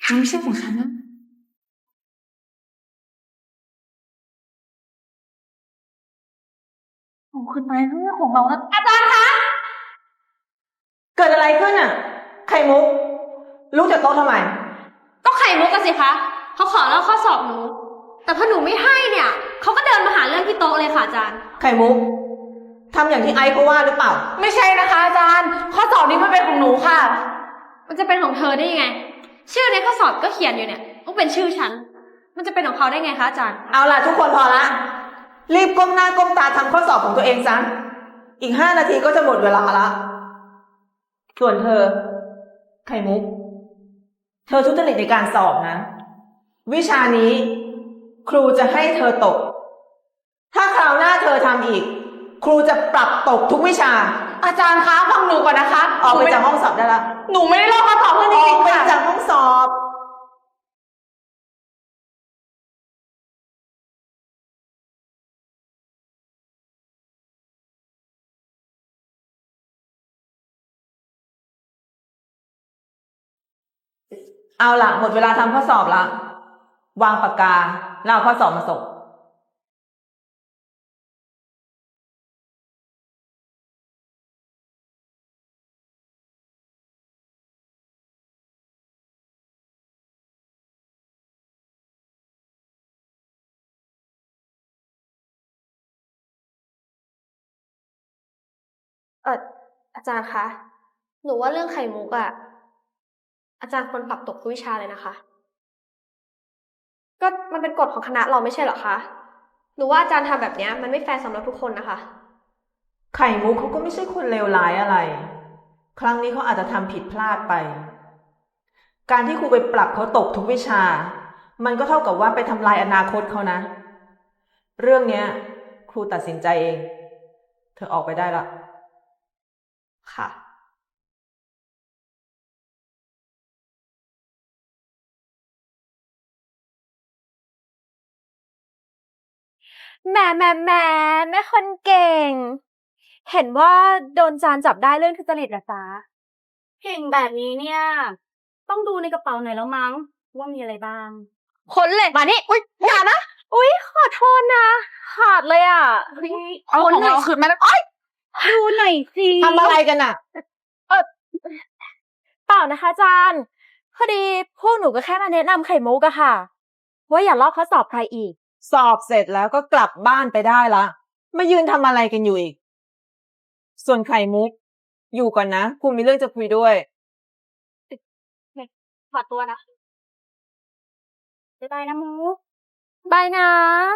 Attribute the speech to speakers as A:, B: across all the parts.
A: มันไม่ใช่ของฉันนะเอาขึ้นไปเรื่องของเรานะอาจารย์คะ
B: เกิดอะไรขึ้นอ่ะไข่มุกลุกจากโต๊ะทำไม
C: ก็ไข่มุกกันสิคะเขาขอลอกข้อสอบหนูแต่พอหนูไม่ให้เนี่ยเขาก็เดินมาหาเรื่องที่โต๊ะเลยค่ะอาจารย์
B: ไข่มุกทำอย่างที่ไอซ์เขาว่าหรือเปล่า
A: ไม่ใช่นะคะอาจารย์ข้อสอบนี้มันเป็นของหนูค่ะ
C: มันจะเป็นของเธอได้ยังไงชื่อในข้อสอบก็เขียนอยู่เนี่ยต้องเป็นชื่อฉันมันจะเป็นของเขาได้ไงคะอาจารย์
B: เอาล่ะทุกคนพอละรีบก้มหน้าก้มตาทำข้อสอบของตัวเองซะอีก5 นาทีก็จะหมดเวลาละส่วนเธอไข่มุกเธอทุจริตในการสอบนะวิชานี้ครูจะให้เธอตกถ้าคราวหน้าเธอทำอีกครูจะปรับตกทุกวิชา
A: อาจารย์คะฟังหนูก่อนนะคะ
B: ออกไปจากห้องสอบได้ละ
A: หนูไม่ได้ลอกข้อสอบเพื่อนจ
B: ออ
A: ริ
B: ก
A: งๆ
B: ไป
A: ค่ะ
B: จากห้องสอบเอาล่ะหมดเวลาทำข้อสอบละวางปากกาแล้วเอาข้อสอบมาส่ง
C: เอออาจารย์คะหนูว่าเรื่องไข่มุกอะอาจารย์ควรปรับตกทุกวิชาเลยนะคะก็มันเป็นกฎของคณะเราไม่ใช่เหรอคะหนูว่าอาจารย์ทำแบบนี้มันไม่แฟร์สำหรับทุกคนนะคะ
B: ไข่มุกเขาก็ไม่ใช่คนเลวร้ายอะไรครั้งนี้เขาอาจจะทำผิดพลาดไปการที่ครูไปปรับเขาตกทุกวิชามันก็เท่ากับว่าไปทำลายอนาคตเขานะเรื่องเนี้ยครูตัดสินใจเองเธอออกไปได้ละ
C: ค่ะ
D: แหมแม่คนเก่ง เห็นว่าโดนจานจับได้เรื่องทุจริตเหรอจ๊ะเก่งแบบนี้เนี่ย ต้องดูในกระเป๋าหน่อยแล้วมั้งว่ามีอะไรบ้างค้นเลยมานี่อุ๊ยอย่านะอุ๊ยขอโทษนะขาดเลยอ่ะ
A: เอาของเราคืนมาแล้วอ้อย
D: ดูหน่อยสิ
B: ทำอะไรกันอ่ะ
D: เออเปล่านะคะอาจารย์พอดีพวกหนูก็แค่มาแนะนำไข่มุกอะค่ะว่าอย่าลอกข้อสอบใครอีก
B: สอบเสร็จแล้วก็กลับบ้านไปได้ละมายืนทำอะไรกันอยู่อีกส่วนไข่มุกอยู่ก่อนนะครูมีเรื่องจะคุยด้วย
D: ขอตัวนะบ๊ายบายนะมุกบายนะ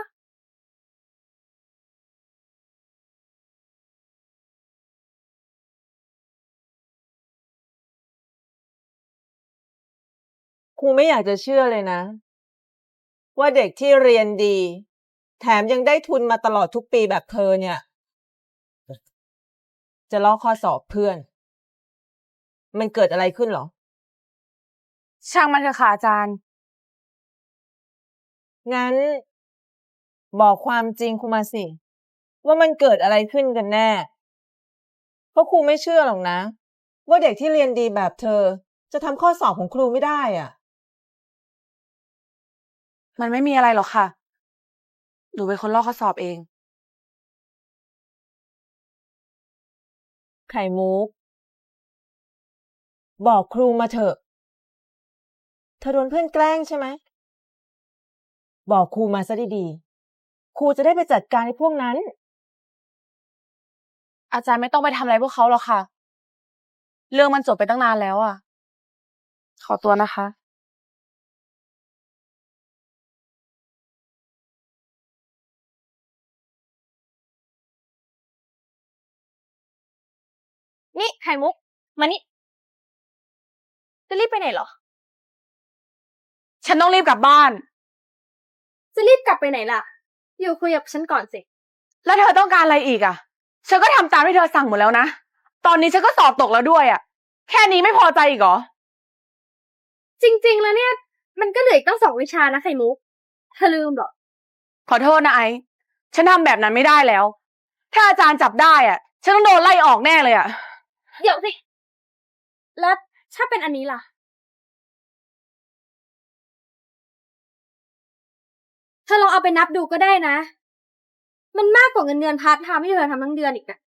B: ครูไม่อยากจะเชื่อเลยนะว่าเด็กที่เรียนดีแถมยังได้ทุนมาตลอดทุกปีแบบเธอเนี่ยจะลอกข้อสอบเพื่อนมันเกิดอะไรขึ้นหรอ
A: ช่างมันเถอะค่ะอาจารย์
B: งั้นบอกความจริงครูมาสิว่ามันเกิดอะไรขึ้นกันแน่เพราะครูไม่เชื่อหรอกนะว่าเด็กที่เรียนดีแบบเธอจะทำข้อสอบของครูไม่ได้อ่ะ
A: มันไม่มีอะไรหรอกค่ะหนูเป็นคนลอกข้อสอบเอง
B: ไข่มุกบอกครูมาเถอะเธอโดนเพื่อนแกล้งใช่ไหมบอกครูมาซะดีๆครูจะได้ไปจัดการไอ้พวกนั้น
A: อาจารย์ไม่ต้องไปทำอะไรพวกเขาหรอกค่ะเรื่องมันจบไปตั้งนานแล้วอ่ะขอตัวนะคะ
D: นี่ไข่มุกมานี่จะรีบไปไหนเหรอ
A: ฉันต้องรีบกลับบ้าน
C: จะรีบกลับไปไหนล่ะอยู่คุยกับฉันก่อนสิ
A: แล้วเธอต้องการอะไรอีกอ่ะฉันก็ทำตามที่เธอสั่งหมดแล้วนะตอนนี้ฉันก็สอบตกแล้วด้วยอ่ะแค่นี้ไม่พอใจอีกเหรอ
C: จริงๆแล้วเนี่ยมันก็เหลืออีกตั้ง2 วิชานะไข่มุกเธอลืมเหรอ
A: ขอโทษนะไอซ์ฉันทำแบบนั้นไม่ได้แล้ว ถ้าอาจารย์จับได้อ่ะ ฉันต้องโดนไล่ออกแน่เลยอ่ะ
C: เดี๋ยวสิแล้วถ้าเป็นอันนี้ล่ะ
D: เธอลองเอาไปนับดูก็ได้นะ มันมากกว่าเงินเดือนพาร์ทไทม์ที่เธอทำทั้งเดือนอีกนะ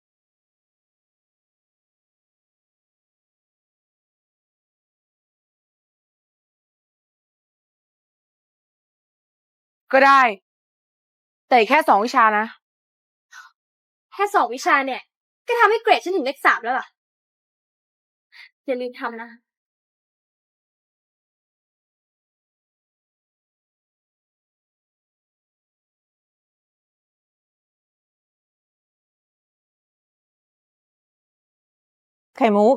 A: ก็ได้ แต่อีกแค่2 วิชานะ
D: แค่2 วิชาเนี่ย ก็ทำให้เกรดฉันถึงเลข 3แล้วล่ะ อย่าลืมทำนะ
B: ไข่มุก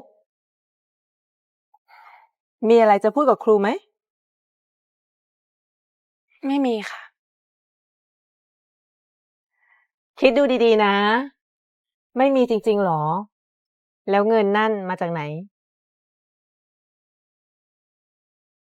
B: มีอะไรจะพูดกับครูไหม
A: ไม่มีค่ะ
B: คิดดูดีๆนะ ไม่มีจริงๆหรอ แล้วเงินนั่นมาจากไหน